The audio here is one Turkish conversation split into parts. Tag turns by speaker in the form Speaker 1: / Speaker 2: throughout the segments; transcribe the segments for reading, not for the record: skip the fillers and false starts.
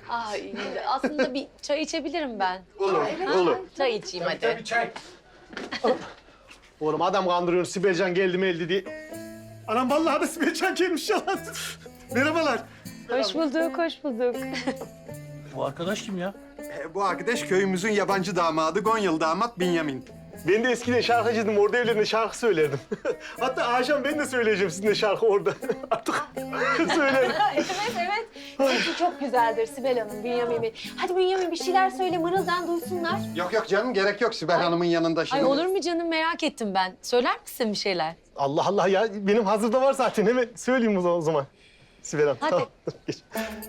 Speaker 1: Ay, aslında bir çay içebilirim ben.
Speaker 2: Olur, olur.
Speaker 1: Çay içeyim hadi.
Speaker 2: Tabii çay.
Speaker 3: Oğlum adam kandırıyorsun, Sibelcan geldi mi eldi diye. Anam vallahi da Sibelcan gelmiş ya. Merhabalar.
Speaker 1: Hoş bulduk, hoş bulduk.
Speaker 4: Bu arkadaş kim ya?
Speaker 2: Bu arkadaş köyümüzün yabancı damadı, Gonyalı damat Binyamin.
Speaker 3: Ben de eskiden şarkıcıydım, orada evlerinde şarkı söylerdim. Hatta akşam ben de söyleyeceğim sizinle şarkı orada. Artık söylerim.
Speaker 1: Evet, evet. Sesi çok güzeldir Sibel Hanım, Bünyamin Bey. Hadi Bünyamin bir şeyler söyle, mırıldan duysunlar.
Speaker 2: Yok yok canım, gerek yok Sibel Hanım'ın yanında şimdi.
Speaker 1: Ay olur mu canım, merak ettim ben. Söyler misin bir şeyler?
Speaker 3: Allah Allah ya, benim hazırda var zaten. Hemen söyleyeyim o zaman. Sibel Hanım.
Speaker 1: Hadi.
Speaker 3: Tamam, geç.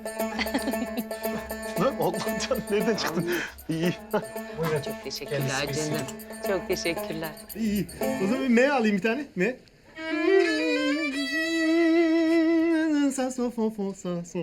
Speaker 3: Lan Allah canım, nereden çıktın? İyi,
Speaker 1: Çok teşekkürler canım. Çok teşekkürler.
Speaker 3: iyi. O zaman M alayım bir tane. M. Sa, sol, fa, fa, sa, sol.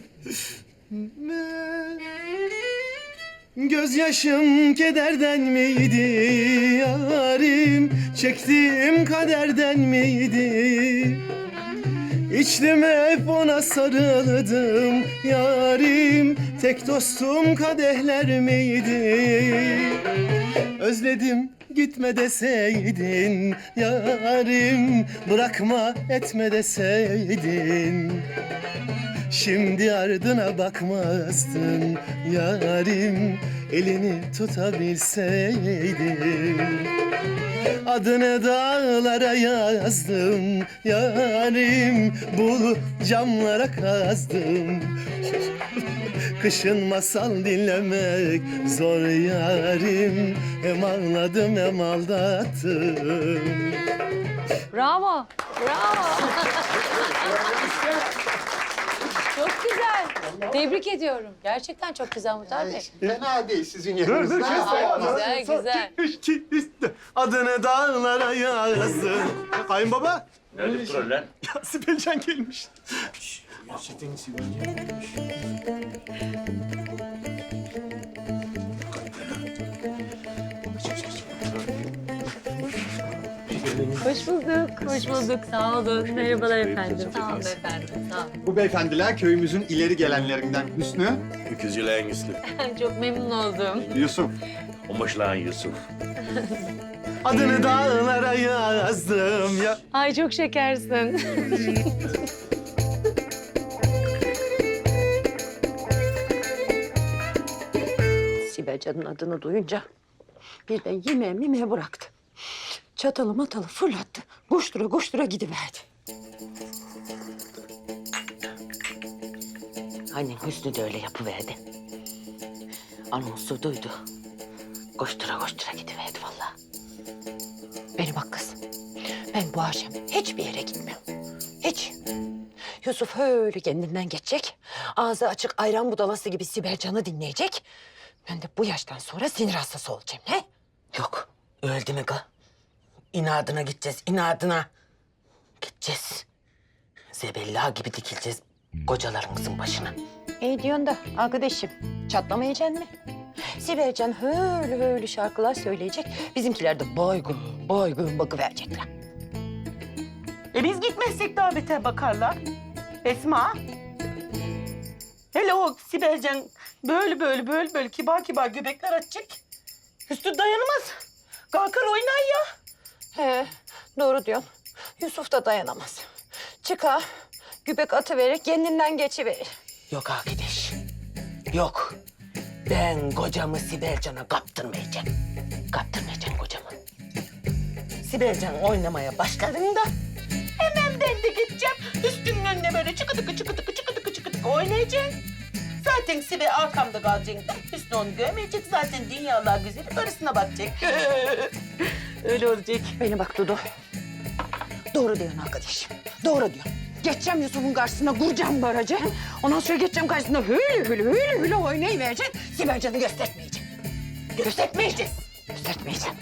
Speaker 3: Gözyaşım kederden miydi yarim? Çektiğim kaderden miydi? İçtim hep ona sarıldım yarim. Tek dostum kadehler miydi? Özledim gitme deseydin yarim. Bırakma etme deseydin. Şimdi ardına bakmazdın yarim. Elini tutabilseydin. Adını dağlara yazdım yarim. Bul camlara kazdım. Kışın masal dinlemek zor yarim. Hem ağladım hem aldattım.
Speaker 1: Bravo, bravo. Çok güzel. Tebrik ediyorum. Gerçekten çok güzel Muhtar Bey.
Speaker 2: Fena değil sizin
Speaker 3: Dur
Speaker 2: yerinizde.
Speaker 3: dur kes.
Speaker 1: Güzel, güzel.
Speaker 3: İki, üç, dört. Adını dağlara yazdım. Kayınbaba.
Speaker 4: Nerede troller?
Speaker 3: Ya Sibelcan gelmiş.
Speaker 4: Gerçekten Sibelcan gelmiş.
Speaker 1: Hoş bulduk, hoş bulduk. Sağ olun. Merhabalar efendim. Sağ olun efendim, sağ olun.
Speaker 2: Bu beyefendiler köyümüzün ileri gelenlerinden Hüsnü,
Speaker 4: Öküzülen Yusuf.
Speaker 1: Çok memnun oldum.
Speaker 2: Yusuf.
Speaker 4: Omaşlan Yusuf.
Speaker 3: Adını dağlara yazdım ya.
Speaker 1: Ay çok şekersin.
Speaker 5: Sibelcan'ın adını duyunca birden yemeğe bıraktı. Çatalı matalı fırlattı. Koştura koştura gidiverdi. Aynen Hüsnü de öyle yapıverdi. Anonsu duydu. Koştura koştura gidiverdi vallahi. Beni bak kız. Ben bu akşam hiçbir yere gitmiyorum. Hiç. Yusuf öyle kendinden geçecek. Ağzı açık ayran budalası gibi Sibelcan'ı dinleyecek. Ben de bu yaştan sonra sinir hastası olacağım, he? Yok, öldü mü ga? İnadına gideceğiz, inadına. Gideceğiz. Zebella gibi dikileceğiz kocalarımızın başına. İyi diyorsun da arkadaşım, çatlamayacaksın mı? Sibelcan öyle şarkılar söyleyecek. Bizimkiler de baygın bakıverecekler.
Speaker 6: Biz gitmezsek daha beter bakarlar. Esma. Hele o Sibelcan böyle kibar göbekler açacak. Üstü dayanamaz. Kalkar oynar ya.
Speaker 5: He, doğru diyorsun. Yusuf da dayanamaz. Çıkar, gübek atıverir, kendinden geçiverir.
Speaker 6: Yok arkadaş. Yok. Ben kocamı Sibelcan'a kaptırmayacağım. Kaptırmayacağım kocamı. Sibelcan oynamaya başladığında hemen ben de gideceğim. Üstünün önüne böyle çıkıdıkı oynayacağım. Zaten Sibel arkamda kalacak da Hüsnü onu görmeyecek. Zaten dünyalar güzeli karısına bakacak. Öyle olacak.
Speaker 5: Beni bak Dudu. Doğru diyorsun arkadaşım. Doğru diyorsun. Geçeceğim Yusuf'un karşısına, kuracağım barajı. Ondan sonra geçeceğim karşısına hüyle oynayıvereceğim. Sibelcan'ı göstermeyeceğim.
Speaker 6: Göstermeyeceğiz.
Speaker 5: Göstermeyeceğim.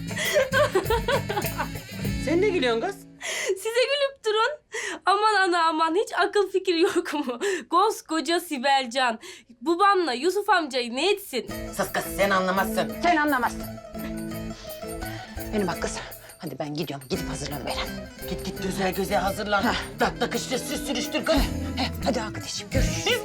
Speaker 6: Sen ne gülüyorsun kız?
Speaker 7: Size gülüp durun. Aman ana aman hiç akıl fikir yok mu? Koskoca Sibelcan. Babamla Yusuf amcayı ne etsin?
Speaker 6: Sus kız sen anlamazsın.
Speaker 5: Sen anlamazsın. Beni bak kız. Hadi ben gidiyorum. Gidip hazırlanıverem.
Speaker 6: Git güzel hazırlan. Dak takıştır sürüştür kız.
Speaker 5: Hadi arkadaşım görüşürüz.
Speaker 6: Biz